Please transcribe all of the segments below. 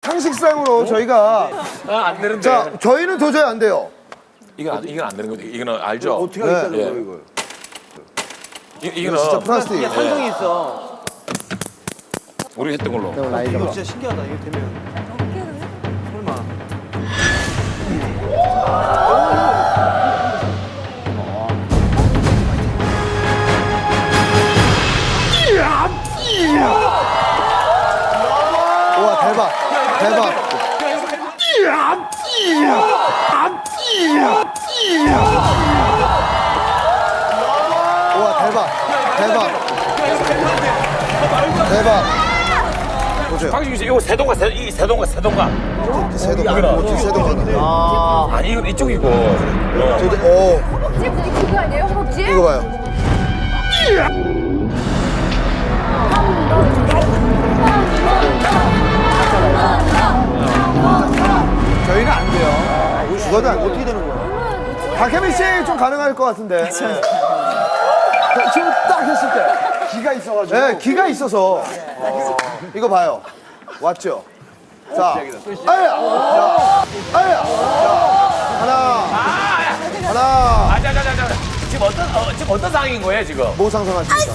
상식상으로 저희가 안 되는데. 자 저희는 도저히 안 돼요. 이건 안 되는 거지. 이거는 알죠? 어떻게 하겠다는 예. 거야 이걸? 이거 진짜 플라스틱. 이게 산성이 있어. 우리 했던 걸로. 이거 진짜 신기하다 이게 되면. 설마. 와 대박 대박. 와 대박 대박 대박. 보세요. 박진규 씨, 이거 세동가. 세동 세동. 아니, 이건 이쪽이고. 오 허벅지 그거 아니에요? 허벅지? 이거 봐요. 저희는 안 돼요. 죽어도 안 돼요. 어떻게 되는 거야? 박혜민 씨 좀 가능할 것 같은데. 지금 딱 했을 때 기가 있어가지고. 네, 기가 있어서. 이거 봐요. 왔죠? 자, 아야, 아야, 하나. 자. 지금 어떤 상황인 거예요, 지금? 뭐 상상하십니까?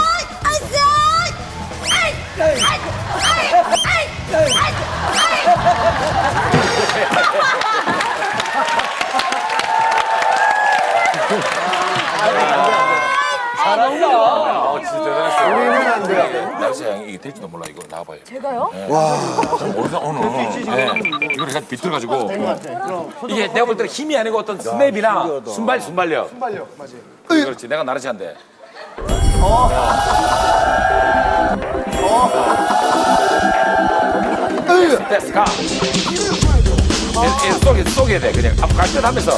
진짜 대단했어요. 우리는 안 돼요. 날씨 양 이게 될지도 몰라. 이거 나와봐요. 제가요? 모르다 오늘. 이걸 그냥 비틀어가지고. 이게 내가 볼 때는 힘이 아니고 어떤 스냅이나 순발력. 순발력, 맞지? 그렇지. 내가 나르지 한데. 됐어, 가. 쏘게 돼. 그냥 앞 갈듯 하면서.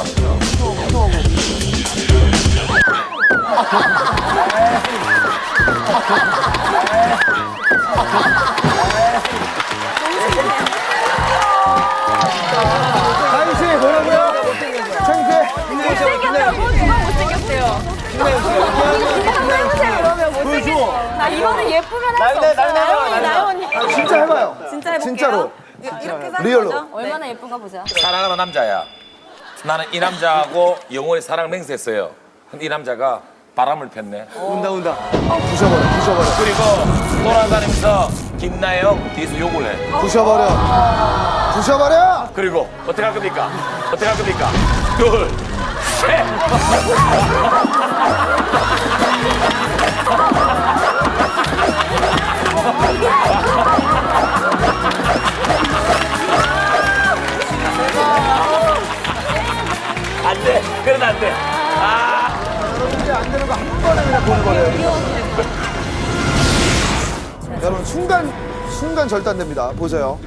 다인 씨 뭐라고요? 창피해. 못생겼다고? 누가 못생겼대요? 해보세요 그러면 못생겼 나 이거는 예쁘면 할 수 없어요. 나연이. 진짜 해봐요. 진짜 해볼게요. 진짜로. 이렇게 사는 리얼로. 거죠? 얼마나 예쁜가 보자. 사랑하는 남자야. 나는 이 남자하고 영원히 사랑을 맹세했어요. 근데 이 남자가 바람을 폈네. 온다. 부셔버려. 그리고 돌아다니면서 김나영 뒤에서 욕을 해. 부셔버려. 그리고 어떻게 할 겁니까? 둘, 셋. 안 돼. 그건 안 돼. 여러분들이 안 되는 거 한 번에 그냥 보는 거예요. 여러분 순간 절단됩니다. 보세요.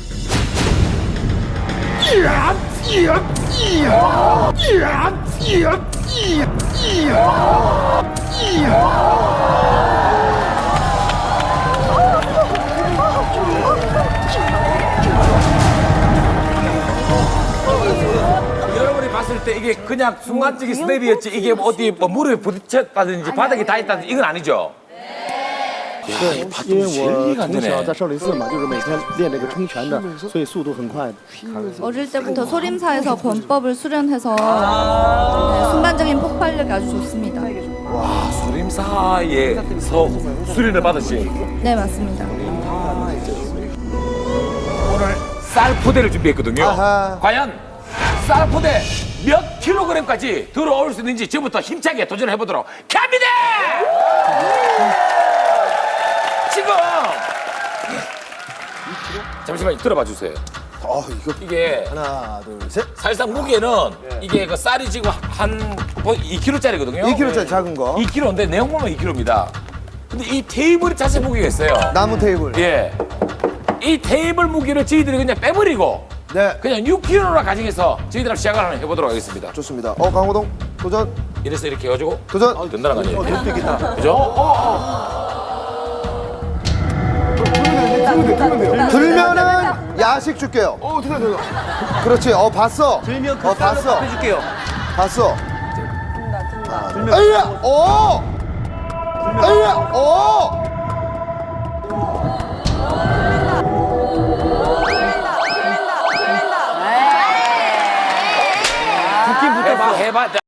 여러분이 봤을 때 이게 그냥 순간적인 스냅이었지 이게 뭐 어디 뭐 무릎에 부딪혔다든지 바닥에 닿았다든지 이건 아니죠? 对，因为我从小在少林寺嘛，就是每天练这个冲拳的，所以速度很快。 어릴 때부터 소림사에서 권법을 수련해서 네, 순간적인 폭발력이 아주 좋습니다. 소림사에서 수련을 받으신 네, 맞습니다. 오늘 쌀포대를 준비했거든요. 아하. 과연 쌀포대 몇 킬로그램까지 들어올 수 있는지 지금부터 힘차게 도전해보도록 합니다! 지금 잠시만 들어봐 주세요. 이게 하나, 둘, 셋. 사실상 무게는 이게 그 쌀이 지금 한 2kg짜리거든요. 2kg짜리 작은 거. 2kg인데 내용 보면 2kg입니다. 근데 이 테이블이 자체 무게가 있어요. 나무 테이블. 예. 이 테이블 무게를 저희들이 그냥 빼버리고 네. 그냥 6kg로 가정해서 저희들하고 시작을 한번 해보도록 하겠습니다. 좋습니다. 강호동 도전. 이래서 이렇게 해가지고 도전. 된다는 거 아니에요? 될수 있겠다. 그죠? 들면은 야식 줄게요. 들어. 그렇지. 봤어. 들면 그 쌀로 봤어. 밥 해줄게요. 봤어. 들면. 에이야. 에이야. 막 해봐.